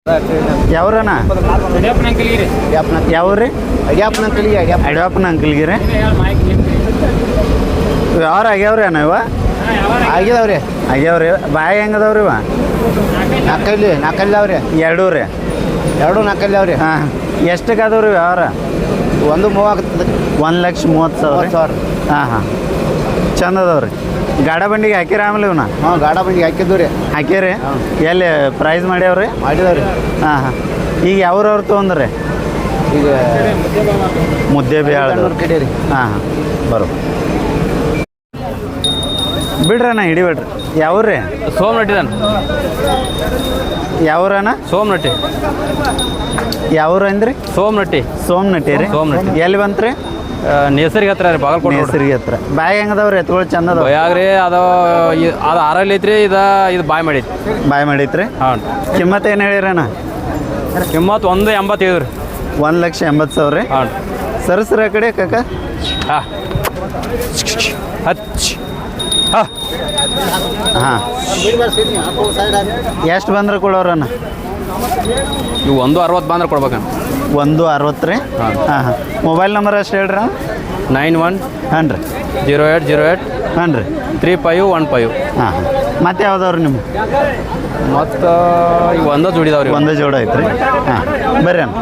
ಯಾವ್ರಣ್ಣ ಯಾವ್ರಿ ಅಡ್ಯಾಪನ ಅಂಕಲ್ಗಿರಿ ಯಾವ್ರು ಆಗ್ಯಾವ್ರಿ ಅಣ್ಣ ಇವ ಆಗಿದಾವ್ರಿ ಆಗ್ಯಾವ್ರಿ ಬಾಯಿ ಹೆಂಗದವ್ರಿ ಇವ ನಾಲ್ಕಲ್ಲಿ ಅವ್ರಿ ಎರಡೂ ರೀ ಎರಡು ನಾಲ್ಕಲ್ಲಿ ಅವ್ರಿ ಹಾಂ ಎಷ್ಟಕ್ಕೆ ಅದಾವ್ರಿ ಯಾವ್ರ 1,30,30,000 ಹಾಂ ಹಾಂ ಚಂದ ಅದಾವ್ರಿ ಗಾಡ ಬಂಡಿಗೆ ಹಾಕಿರ ಆಮೇಲೆ ಇವನ್ನ ಹಾಂ ಗಾಡ ಬಂಡಿಗೆ ಹಾಕಿದ್ದು ರೀ ಹಾಕಿರಿ ಎಲ್ಲಿ ಪ್ರೈಸ್ ಮಾಡ್ಯಾವ್ರಿ ಮಾಡಿದವ್ರಿ ಹಾಂ ಹಾಂ ಈಗ ಯಾವ್ರವ್ರು ತೊಗೊಂಡ್ರಿ ಈಗ ಮುದ್ದೆ ಬೇಳೆ ಕಡೆ ರೀ ಹಾಂ ಹಾಂ ಬರೋ ಬಿಡ್ರಣ್ಣ ಹಿಡಿಬೇಡ್ರಿ ಯಾವ್ರಿ ಸೋಮನಟ್ಟಿದಾನ ಯಾವ್ರಣ್ಣ ಸೋಮನಟ್ಟಿ ಯಾವ್ರು ಅಂದ್ರಿ ಸೋಮನಟ್ಟಿ ಸೋಮನಟ್ಟಿ ರೀ ಸೋಮನಟ್ಟಿ. ಎಲ್ಲಿ ಬಂತ್ರಿ ನೇಸರಿಗೆ ಹತ್ರ ರೀ ಬಾಗಲಕೋಟೆ ಹೆಸರಿಗೆ ಹತ್ರ ಬಾಯಿ ಹೆಂಗದವ್ರಿ ಎತ್ಗಳು ಚಂದ ಅದಾವ ಯಾಗ್ರಿ ಅದು ಆರಲ್ಲಿ ಐತ್ರಿ ಇದು ಬಾಯ್ ಮಾಡೈತಿ ಬಾಯಿ ಮಾಡೈತ್ರಿ ಹಾಂ ಕಿಮ್ಮತ್ತು ಏನು ಹೇಳಿರಣ್ಣ ಕಿಮ್ಮತ್ತು 1,85 ರೀ 1,80,000 ರೀ ಹಾಂ ಸರಸ್ರ ಕಡೆ ಕಾಕ ಹಾಂ ಹಚ್ ಹಾಂ ಹಾಂ ಎಷ್ಟು ಬಂದ್ರೆ ಕೊಡೋರಣ್ಣ ಇವು 1,60 ಬಂದ್ರೆ ಕೊಡ್ಬೇಕಣ್ಣ 1,60 ರೀ ಹಾಂ ಹಾಂ ಮೊಬೈಲ್ ನಂಬರ್ ಅಷ್ಟು ಹೇಳ್ರಿ 91 ಹಾಂ ರೀ 0808 ಹಾಂ ರೀ 3515 ಹಾಂ ಹಾಂ ಮತ್ತೆ ಯಾವ್ದವ್ರಿ ನಿಮ್ಮ ಮತ್ತು ಇವು ಒಂದ ಜೋಡಿದಾವ್ರಿ ಒಂದೇ ಜೋಡ ಐತ್ರಿ ಹಾಂ ಬರ್ರಿ ಅಣ್ಣ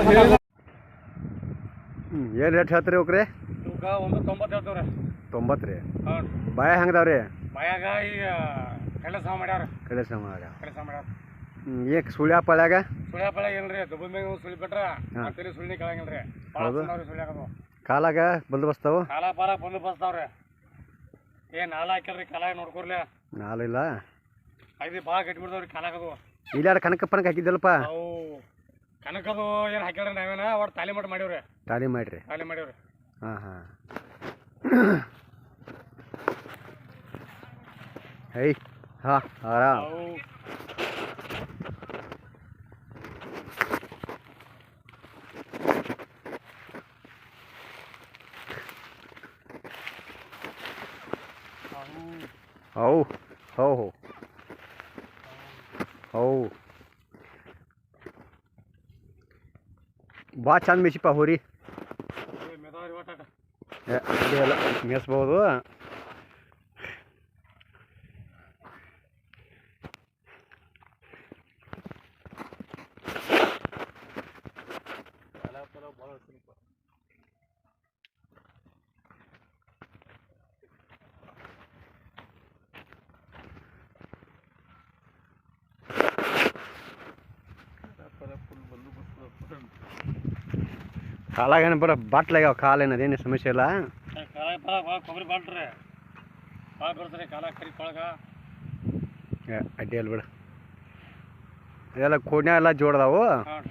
ಏನು ರೇಟ್ ಹೇಳ್ತೀರಿ ಹೋಗ್ರಿ 1,90 ಹೇಳ್ತಾವ್ರಿ 90 ರೀ ಹಾಂ ಬಾಯ ಹೆಂಗದಾವ್ರಿ ಮಯಾಗ ಈಗ ಕೆಲಸ ಮಾಡ್ಯಾರ ಕಡೆ ಸಮಾಗ ಕೆಲಸ ಮಾಡ್ಯಾರ ಏಕ್ ಸುಳ್ಯ ಪಳ್ಯಾಗ ಸುಳ್ಯಾಪಳ ಏನ್ರಿ ದುಬ್ಬ ಮ್ಯಾಗ ಸುಳಿ ಬಿಟ್ರ ಅಂತೇಳಿ ಸುಳ್ಳಿ ಕೇಳಂಗಿಲ್ರಿ ಹೌದು. ಸುಳ್ಯಾಕದು ಕಾಲಾಗ ಬಂದೋಬಸ್ತಾವು ಕಾಲ ಪಾಲ ಬಂದು ಬಸ್ತಾವ್ರಿ ಏನ್ ನಾಲ ಹಾಕ್ಯಾರ್ರಿ ಕಾಲಾಗ ನೋಡ್ಕೊರ್ಲಿ ನಾಲಿಲ್ಲ ಐದು ಭಾಳ ಕಟ್ಬಿಡ್ತಾವ್ರಿ ಕಾಲಾಗದು ಇಲ್ಲಾರ ಕನಕಪ್ಪನಕ್ಕೆ ಹಾಕಿದ್ದಲ್ಪ ಅವು ಕನಕದು ಏನು ಹಾಕ್ಯಾಳ್ರಿ ನಾವೇನ ಒಟ್ಟು ತಾಲಿ ಮಟ್ಟ ಮಾಡೀವ್ರಿ ತಾಲಿ ಮಾಡ್ರಿ ತಾಲಿ ಮಾಡೀವ್ರಿ ಹಾಂ ಹಾಂ ಹೈ ಹಾಂ ಆರಾಮ್ ಅವು ಹೌ ಹೌ ಹೋ ಹೌ ಭಾಳ ಚಂದ ಮೇಸಿಪ್ಪ ಹೋರಿ ಮೆದಾವ್ರಿ ಒಟ್ಟಾಟ ಅಲ್ಲ ಮೇಯಿಸ್ಬೋದು ಕಾಲಾಗೇನು ಬರೋ ಬಾಟ್ಲಾಗ್ಯಾವ ಕಾಲೇನು ಅದೇನು ಸಮಸ್ಯೆ ಇಲ್ಲ ಕಾಲಾಗ ಭಾಳ ಕೊಬ್ಬರಿ ಬಾಳ್ರಿ ಭಾಳ ಬರ್ತಾರೆ ಕಾಲ ಕರಿ ಕೊಳಗ ಅಡ್ಡಿ ಅಲ್ಲ ಬಿಡು ಇದೆಲ್ಲ ಕೋಡ್ನ್ಯಾಗ ಎಲ್ಲ ಜೋಡ್ದಾವು ಹಾಂ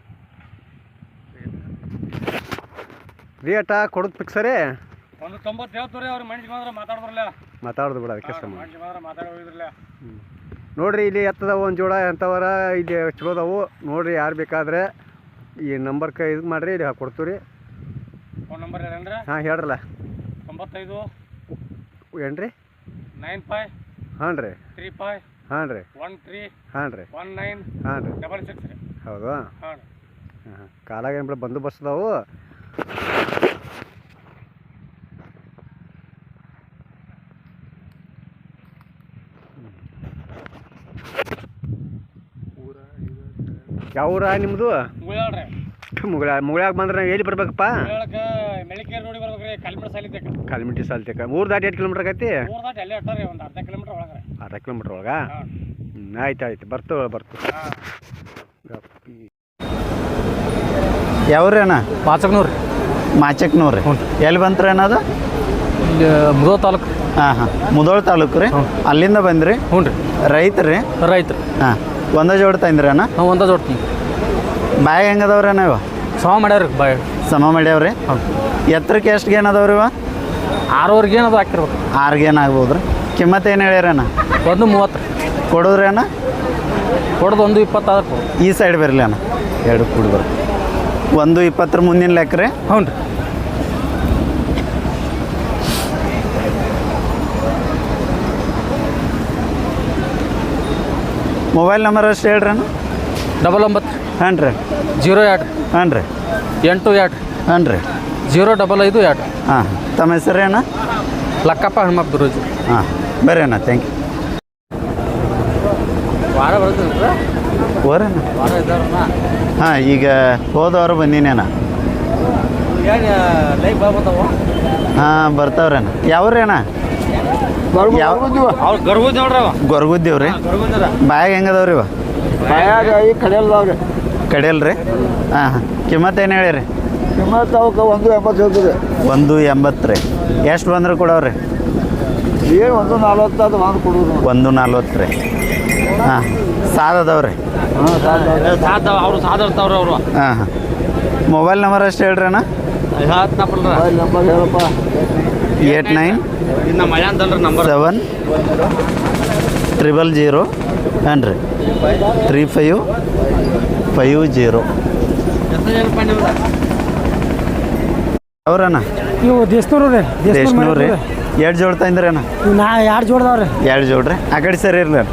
ರೇಟ ಕೊಡೋದು ಫಿಕ್ಸರೇ 1,90 ಹೇಳ್ತೀವ್ರಿ ಅವ್ರು ಮನುಷ್ಯ ಮಾತ್ರ ಮಾತಾಡ್ಬರಲ್ಲ ಮಾತಾಡೋದು ಬಿಡ ಅದಕ್ಕೆ ಸಮ ಮನುಷ್ಯ ಮಾತ್ರ ಮಾತಾಡೋದಿದ್ರಲ್ಲ ನೋಡಿರಿ ಇಲ್ಲಿ ಎತ್ತದವು ಒಂದು ಜೋಡ ಎಂಥವರ ಇಲ್ಲಿ ಚಲೋದವು ನೋಡಿರಿ ಯಾರು ಬೇಕಾದ್ರೆ ಈ ನಂಬರ್ಗೆ ಇದು ಮಾಡಿರಿ ಇಲ್ಲಿ ಕೊಡ್ತೀವಿ ರೀ ಫೋನ್ ನಂಬರ್ ಹೇಳಂದ್ರೆ ಹಾಂ ಹೇಳ್ರಲ್ಲ 95 ಏನು ರೀ 95 ಹಾಂ ರೀ 35 ಹಾಂ ರೀ 13 ಹಾಂ ರೀ 19 ಹಾಂ ರೀ 66 ರೀ ಹೌದು ಹಾಂ ಹಾಂ ಹಾಂ ಕಾಲಾಗ ಏನು ಬಿಡ ಬಂದೋಬಸ್ತ್ ಅದಾವು ಯಾವ ಊರ ನಿಮ್ಮದು ಮುಳ್ಳಾಳ್ರಿ ಮುಗಳಾಗ ಬಂದ್ರೆ ನಾವು ಎಲ್ಲಿ ಬರ್ಬೇಕಪ್ಪ ಮುಳ್ಳಾಳಕ್ಕೆ ಮೆಳಿಕೇರಿ ರೋಡಿಗೆ ಬರ್ಬೇಕ್ರಿ ಕಲ್ಮಿಡ ಸಾಲಿದ್ದಕ್ಕೆ ಕಾಲ್ಮಿಟಿ ಸಾಲ್ತೇಕ ಊರು ದಾಟಿ 8 ಕಿಲೋಮೀಟ್ರ್ ಆಗೈತಿ ಊರ್ ದಾಟಿ ಅಲ್ಲೇ ಅಟ್ಟಾರಿ ಒಂದು ಅರ್ಧ ಕಿಲೋಮೀಟ್ರ್ ಒಳಗ್ರಿ ಅರ್ಧ ಕಿಲೋಮೀಟ್ರ್ ಒಳಗೆ ಹಾಂ ಆಯ್ತು ಆಯ್ತು ಬರ್ತು ಹಾಂ ಯಾವ್ರಿ ಅಣ್ಣ ಪಾಚಕ್ನೂರು ಮಾಚಕ್ನೂರು ರೀ ಎಲ್ಲಿ ಬಂತ್ರಿ ಅನ್ನೋದು ಇಲ್ಲಿ ಮುದೋ ತಾಲೂಕು ಹಾಂ ಹಾಂ ಮುದೋಳ ತಾಲೂಕು ರೀ ಅಲ್ಲಿಂದ ಬಂದ್ರಿ ಹ್ಞೂ ರೀ ರೈತರು ರೈತರು ಹಾಂ ಒಂದೇ ಜೋಡ ತಂದ್ರಿ ಅಣ್ಣ ನಾವು ಒಂದ ಜೋಡ್ತೀನಿ ಬಾಯಿ ಹೆಂಗದವ್ರಿ ಅಣ್ಣ ಇವ ಸಮ ಮಾಡ್ಯಾರ ಬಾಯ್ ಸಮ ಮಾಡ್ಯಾವ್ರಿ ಎತ್ತರಕ್ಕೆ ಎಷ್ಟು ಗೇನ್ ಅದಾವ್ರಿ ಇವ 6ವರೆಗೆ ಏನದು ಹಾಕಿರ್ಬೇಕು 6 ಗೇನ್ ಆಗ್ಬೋದು ರೀ ಕಿಮ್ಮತ್ತು ಏನು ಹೇಳ್ಯಾರಣ್ಣ 1,30 ಕೊಡೋದ್ರಿ ಅಣ್ಣ ಕೊಡೋದು 1,20 ಈ ಸೈಡ್ ಬರಲಿ ಅಣ್ಣ ಎರಡು ಕೂಡಿ ಬರ್ರಿ 1,20 ಮುಂದಿನ ಲೆಕ್ಕ ರೀ ಹ್ಞೂ ರೀ ಮೊಬೈಲ್ ನಂಬರ್ ಅಷ್ಟು ಹೇಳ್ರಿ ಅಣ್ಣ 99 ಹಾಂ ರೀ 02 ಹಾಂ ರೀ 82 ಹಾಂ ರೀ 055 ಹಾಂ ತಮ್ಮ ಹೆಸರು ಅಣ್ಣ ಲಕ್ಕಪ್ಪ ಹನುಮಪ್ಪ ದುರೋಜಿ. ಹಾಂ ಬರ್ರಿ ಅಣ್ಣ ಥ್ಯಾಂಕ್ ಯು ವಾರ ಬರ್ತದೆ ಓರಣ್ಣ ವಾರ ಇದ್ದಾರಣ್ಣ. ಹಾಂ ಈಗ ಹೋದವರು ಬಂದೀನಿ ಅಣ್ಣ ಲೈಕ್ ಬರ್ತಾವ ಹಾಂ ಬರ್ತಾವ್ರಣ್ಣ ಯಾವ್ರಿ ಅಣ್ಣ ಯಾವ ಅವ್ರು ಗರ್ಭದ ನೋಡ್ರಿ ಅವ ಗೊರಗುದ್ದೀವ್ರಿ ಗರ್ಭದ ಬಾಯಾಗ ಹೆಂಗದವ್ರಿ ಇವ ಈ ಕಡೆಯಲ್ದವ್ರಿ ಕಡಿಯಲ್ರಿ ಹಾಂ ಹಾಂ ಕಿಮ್ಮತ್ತು ಏನು ಹೇಳಿರಿ ಕಿಮ್ಮತ್ತು ಅವಕ್ಕೆ 180 ಹೇಳ್ತೀರಿ. 180 ರೀ ಎಷ್ಟು ಬಂದ್ರೆ ಕೊಡವ್ರಿ ಏನು 140 ಅದು ಮಾಡಿ ಕೊಡೋದು. 140 ರೀ ಹಾಂ ಸಾದದವ್ರಿ ಅವ್ರು ಸಾಧ ಇರ್ತಾವ್ರಿ ಅವರು. ಹಾಂ ಹಾಂ ಮೊಬೈಲ್ ನಂಬರ್ ಅಷ್ಟು ಹೇಳ್ರಿ ಅಣ್ಣ ಮೊಬೈಲ್ ನಂಬರ್ ಹೇಳಪ್ಪ 89 ಇನ್ನು ಮಯ ಅಂತಲ್ರಿ ನಂಬರ್ 7 000 ಹಾಂ ರೀ 3550 ಅವ್ರಣ್ಣ ಇವು ದೇಶನೂರು ರೀ ದೇಶನೂರು ರೀ ಎರಡು ಜೋಡ್ ತಂದ್ರಿ ಅಣ್ಣ ಇವು ನಾ 2 ಜೋಡ್ದವ್ರಿ. 2 ಜೋಡ್ರಿ ಆ ಕಡೆ ಸರಿ ಇರ್ಲಿ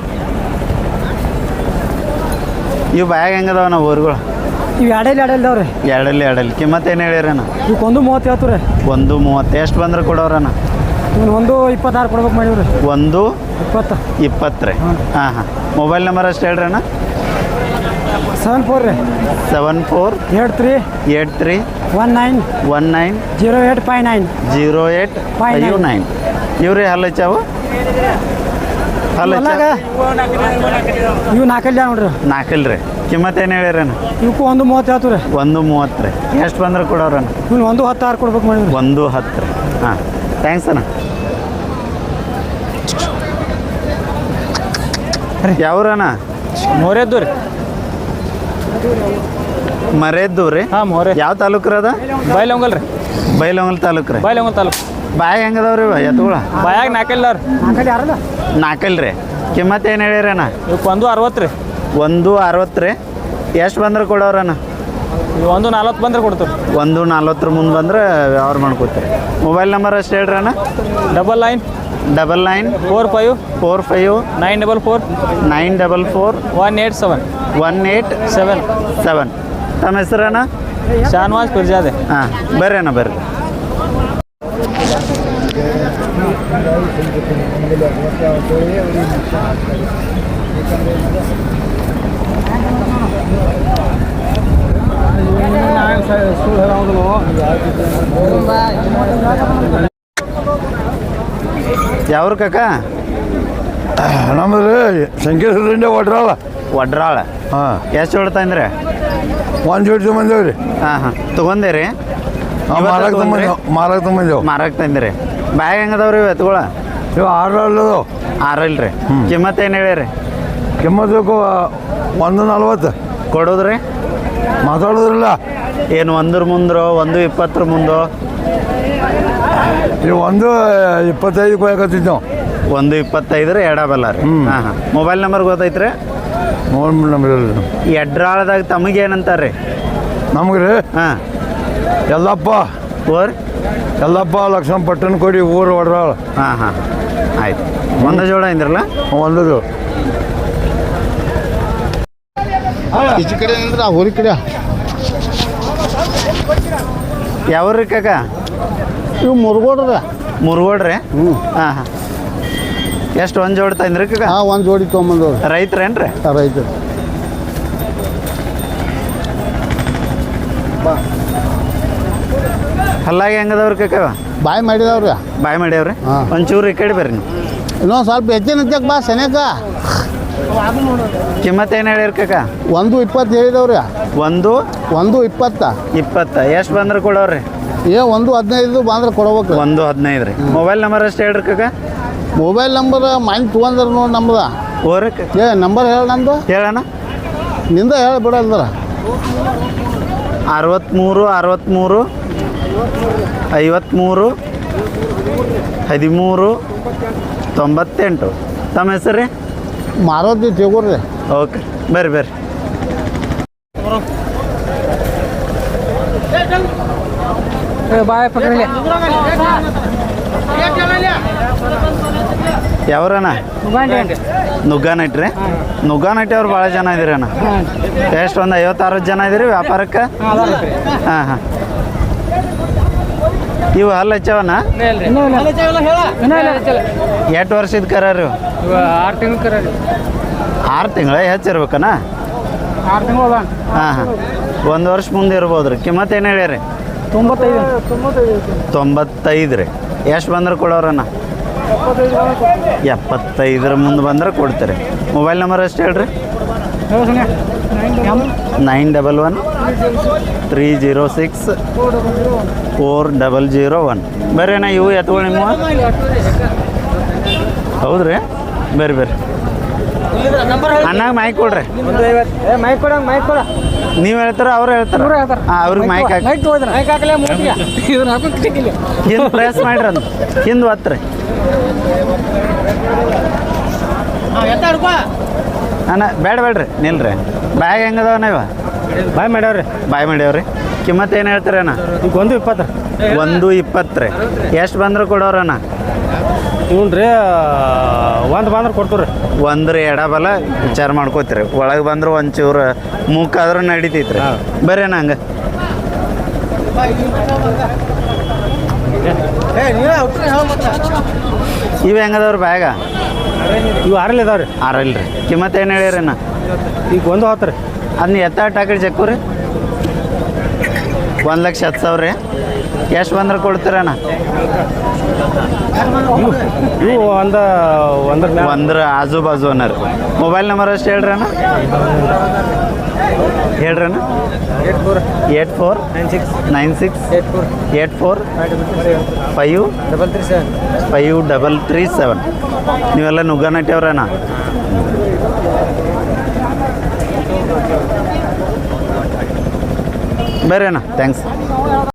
ಇವು ಬ್ಯಾಗ್ ಹೆಂಗದವ ನಾವು ಊರುಗಳು ಇವು ಎರಡಲ್ದವ್ರಿ. ಎರಡಲ್ಲಿ ಕಿಮ್ಮತ್ತು ಏನು ಹೇಳಿರಿ ಅಣ್ಣ ಇವಕ್ಕೆ 130 ಹೇಳ್ತು ರೀ. 130 ಎಷ್ಟು ಬಂದ್ರೆ ಕೊಡೋರಣ್ಣ ಇವ್ನು 126 ಕೊಡ್ಬೇಕು ಮಾಡಿವ್ರಿ. 120 ರೀ ಹಾಂ ಹಾಂ ಮೊಬೈಲ್ ನಂಬರ್ ಅಷ್ಟು ಹೇಳ್ರಿ ಅಣ್ಣ 74 ರೀ 74 83 83 19 19 0859 0859 ಇವ್ರಿ ಹಲ್ಲಚ್ಚಾವು ಹೊಲ್ದಾಗ ಇವು 4 ನೋಡ್ರಿ. ನಾಲ್ಕಲ್ರಿ ಕಿಮ್ಮತ್ತು ಏನು ಹೇಳಿರಣ್ಣ ಇವಕ್ಕೂ 130 ಹೇಳ್ತು ರೀ. 130 ರೀ ಎಷ್ಟು ಬಂದ್ರೆ ಕೊಡೋರಣ್ಣ ಇವ್ನು 116 ಕೊಡ್ಬೇಕು ಮಾಡಿವ್ರಿ. 110 ರೀ ಹಾಂ ಥ್ಯಾಂಕ್ಸ್ ಅಣ್ಣ ಯಾವ್ರಣ್ಣ ಮೋರೆದ್ದು ರೀ ಮರೆದ್ದು ರೀ ಹಾಂ ಮೋರೆ ಯಾವ ತಾಲೂಕ್ರಿ ಅದ ಬೈಲೊಂಗಲ್ ರೀ ಬೈಲೊಂಗಲ್ ತಾಲೂಕು ರೀ ಬೈಲೊಂಗಲ್ ತಾಲೂಕು. ಬಾಯಿ ಹೆಂಗದವ್ರಿ ಇವ ಎತ್ತುಗಳ ಬಾಯಾಗ ನಾಲ್ಕೈಲ್ಲಾರ 4 ಯಾರಲ್ಲ ನಾಲ್ಕಲ್ರಿ ಕಿಮ್ಮತ್ತು ಏನು ಹೇಳಿರಣ್ಣ ಇವಕ್ಕೆ 160 ರೀ 160 ರೀ ಎಷ್ಟು ಬಂದ್ರೆ ಕೊಡೋರಣ್ಣ 140 ಬಂದ್ರೆ ಕೊಡ್ತೀವಿ. 140 ಮುಂದೆ ಬಂದ್ರೆ ವ್ಯವಹಾರ ಮಾಡ್ಕೋತೀರಿ ಮೊಬೈಲ್ ನಂಬರ್ ಅಷ್ಟು ಹೇಳ್ರಿ ಅಣ್ಣ 99 99 45 45 944 944 187 187 ತಮ್ಮ ಹೆಸರಣ್ಣ ಶಾನ್ವಾಜ್ ಪಿರ್ಜಾದೆ. ಹಾಂ ಬರ್ರಿ ಅಣ್ಣ ಬರ್ರಿ ಯಾವ್ರ ಕಾಕ ನಮ್ಮದು ಸಂಕೇಶ್ವರದಿಂದ ಒಡ್ರಲ್ಲ ಒಡ್ರಾಳ ಹಾಂ ಎಷ್ಟು ಹೊಡ್ತಾ ಅಂದ್ರೆ 1 ಜೋಡಿ ತೊಗೊಂಡೇವ್ರಿ. ಹಾಂ ಹಾಂ ತೊಗೊಂಡಿರಿ ಮಾರಕ್ಕೆ ತೊಗೊಂಬಂದೇವು ಮಾರಕ್ಕೆ ತಂದಿರಿ ಬ್ಯಾಗ್ ಹೆಂಗದವ್ರಿ ಎತ್ಕೊಳ ಇವು 6 ಅಲ್ಲದು 6 ಇಲ್ರಿ ಕಿಮ್ಮತ್ತು ಏನು ಹೇಳಿರಿ ಕಿಮ್ಮತ್ತಕ್ಕೂ 140 ಕೊಡೋದ್ರಿ ಮಾತಾಡೋದ್ರಲ್ಲ ಏನು 100 ಮುಂದ್ರೋ 120 ಮುಂದೋ ಇವು 125 ಕೊಯ್ಯಕತ್ತಿದ್ದು ನಾವು 125 ರೀ ಎಡಬಲ್ಲ ರೀ ಹಾಂ ಹಾಂ ಮೊಬೈಲ್ ನಂಬರ್ ಗೊತ್ತೈತ್ರಿ ನೋಡಿ ನಮ್ಗೆ ಎಡ್ರಾಳದಾಗ ತಮಗೆ ಏನಂತಾರೆ ರೀ ನಮ್ಗೆ ರೀ ಹಾಂ ಎಲ್ಲಪ್ಪ ಓರ್ ಎಲ್ಲಪ್ಪ ಲಕ್ಷ್ಮಣ ಪಟ್ಟಣ ಕೊಡಿ ಊರು ಒಡ್ರಾಳ ಹಾಂ ಹಾಂ ಆಯ್ತು ಒಂದು ಜೋಳ ಇಂದ್ರಲ್ಲ ಒಂದದು ಈಚೆ ಕಡೆ ಅಂದ್ರೆ ಆ ಹೋರಿ ಕಡೆ ಯಾವ್ರಿ ಕಾಕ ಇವು ಮುರುಗೋಡ್ರ ಮುರುಗೋಡ್ರಿ ಹಾಂ ಹಾಂ ಎಷ್ಟು ಒಂದು ಜೋಡಿ ತಂದ್ರಿ ಕಾಕ ಹಾಂ 1 ಜೋಡಿ ತೊಗೊಂಬಂದವ್ರು ರೈತರೇನ್ರಿ ರೈತರು ಹಲ್ಲಾಗಿ ಹೆಂಗದವ್ರಿ ಕಾಕ ಬಾಯ್ ಮಾಡಿದವ್ರಿ ಬಾಯ್ ಮಾಡ್ಯಾವ್ರಿ ಹಾಂ. ಒಂಚೂರು ಈ ಕಡೆ ಬರ್ರಿ ನೀವು ಇನ್ನೊಂದು ಸ್ವಲ್ಪ ಹೆಚ್ಚಿನ ಹತ್ತಕ್ಕೆ ಬಾ ಸೆನೆಕ ಕಿಮ್ಮತ್ತು ಏನು ಹೇಳಿರಿ ಕಾಕ 120 ಹೇಳಿದವ್ರಿ 120 120 ಎಷ್ಟು ಬಂದ್ರೆ ಕೊಡೋರಿ 115 ಬಂದ್ರೆ ಕೊಡ್ಬೇಕು 115 ರೀ ಮೊಬೈಲ್ ನಂಬರ್ ಅಷ್ಟು ಹೇಳ್ರಿ ಕಾಕ ಮೊಬೈಲ್ ನಂಬರ್ ಮೈನ್ ತೊಗೊಂಡ್ರ ನೋಡಿ ನಮ್ದು ಓರಕ್ಕೆ ನಂಬರ್ ಹೇಳ ನಂದು ಹೇಳಣ್ಣ ನಿಂದ ಹೇಳಿ ಬಿಡಲ್ದ್ರ 63 63 53 13 98 ತಮ್ಮ ಹೆಸರು ರೀ ಮಾರೋದಿ ತೆಗೋರಿ ಓಕೆ ಬರ್ರಿ ಬರ್ರಿ ಬಾಯ್ ಪಕ್ಕದಲ್ಲಿ ಯಾವ್ರಣ್ಣ ನುಗ್ಗಾನಟ್ಟಿ ರೀ ನುಗ್ಗಾನಟ್ಟಿ ಅವ್ರು ಭಾಳ ಜನ ಇದೀರಿ ಅಣ್ಣ ಎಷ್ಟು ಒಂದು 50-60 ಜನ ಇದೀರಿ ವ್ಯಾಪಾರಕ್ಕೆ ಹಾಂ ಹಾಂ ಇವು ಹಲ್ಲು ಹಚ್ಚವಣ್ಣ ಎಷ್ಟು ವರ್ಷದ ಕರ ರೀ 6 ತಿಂಗಳು ಕರ 6 ತಿಂಗಳ ಹೆಚ್ಚಿರ್ಬೇಕಣ್ಣ 6 ತಿಂಗಳು ಹಾಂ ಹಾಂ 1 ವರ್ಷ ಮುಂದೆ ಇರ್ಬೋದು ರೀ ಕಿಮ್ಮತ್ತು ಏನು ಹೇಳ್ಯಾರಿ 95 ರೀ ಎಷ್ಟು ಬಂದ್ರೆ ಕೊಡೋರಣ್ಣ 75 ಮುಂದೆ ಬಂದ್ರೆ ಕೊಡ್ತೀರಿ ಮೊಬೈಲ್ ನಂಬರ್ ಅಷ್ಟು ಹೇಳ್ರಿ 911-306-4001 ಬರ್ರಿ ಅಣ್ಣ ಇವು ಎತ್ಕೊಳ್ಳಿ ನಿಮ್ಮ ಹೌದು ರೀ ಬರ್ರಿ ಬರ್ರಿ ಅಣ್ಣಾಗ ಮೈಕ್ ಕೊಡ್ರಿ ಮೈಕ್ ಕೊಡ ಮೈಕ್ ಕೊಡ ನೀವು ಹೇಳ್ತಾರ ಅವ್ರು ಹೇಳ್ತಾರ ಹಾಂ ಅವ್ರಿಗೆ ಮೈಕ್ ಹಾಕಿ ಮೈಕ್ ಹಾಕಲೇ ಇದನ್ನ ಹಾಕೋಕ್ಕಿಲ್ಲ ಹಿಂದೆ ಪ್ರೆಸ್ ಮಾಡ್ರಿ ಅಂತ ಹಿಂದೆ ಒತ್ರಿ ಅಣ್ಣ ಬೇಡ್ರಿ ನಿಲ್ರಿ ಬ್ಯಾಗ್ ಹೆಂಗದವ ನೀವು ಬಾಯ್ ಮಾಡ್ಯಾವ್ರಿ ಬಾಯ್ ಮಾಡ್ಯಾವ್ರಿ ಕಿಮ್ಮತ್ತು ಏನು ಹೇಳ್ತೀರಿ ಅಣ್ಣ ಈಗ 120 120 ರೀ ಎಷ್ಟು ಬಂದ್ರೆ ಕೊಡೋರಣ್ಣ ಹ್ಞೂ ರೀ ಒಂದು ಬಂದ್ರೆ ಕೊಡ್ತೀವಿ ರೀ ಒಂದ್ರಿ ಎಡಬಲ ವಿಚಾರ ಮಾಡ್ಕೋತೀರಿ ಒಳಗೆ ಬಂದ್ರೆ ಒಂಚೂರು ಮೂಕಾದ್ರೂ ನಡಿತೈತ್ರಿ ಬರ್ರಿ ಅಣ್ಣ ಹಂಗೆ ಇವು ಹೆಂಗದವ್ರಿ ಬ್ಯಾಗ ಇವು 6 ಇದಾವೆ ರೀ 6 ರೀ ಕಿಮ್ಮತ್ತು ಏನು ಹೇಳಿರಿ ಅಣ್ಣ ಈಗ 110 ರೀ ಅದನ್ನ ಎತ್ತಾಟ ಹಾಕಿರಿ ಚೆಕ್ಕು ರೀ 1,10,000 ರೀ ಎಷ್ಟು ಬಂದ್ರೆ ಕೊಡ್ತೀರಣ್ಣ ಇವು ಒಂದ್ರ ಆಜು ಬಾಜು ಅನ್ನೋರು ಮೊಬೈಲ್ ನಂಬರ್ ಅಷ್ಟು ಹೇಳ್ರಿ ಅಣ್ಣ ಹೇಳ್ರಿ ಅಣ್ಣ 8496-84-53337 ನೀವೆಲ್ಲ ನುಗ್ಗಾನಟ್ಟಿ ಅವ್ರಣ್ಣ ಬರ್ರಿ ಅಣ್ಣ ಥ್ಯಾಂಕ್ಸ್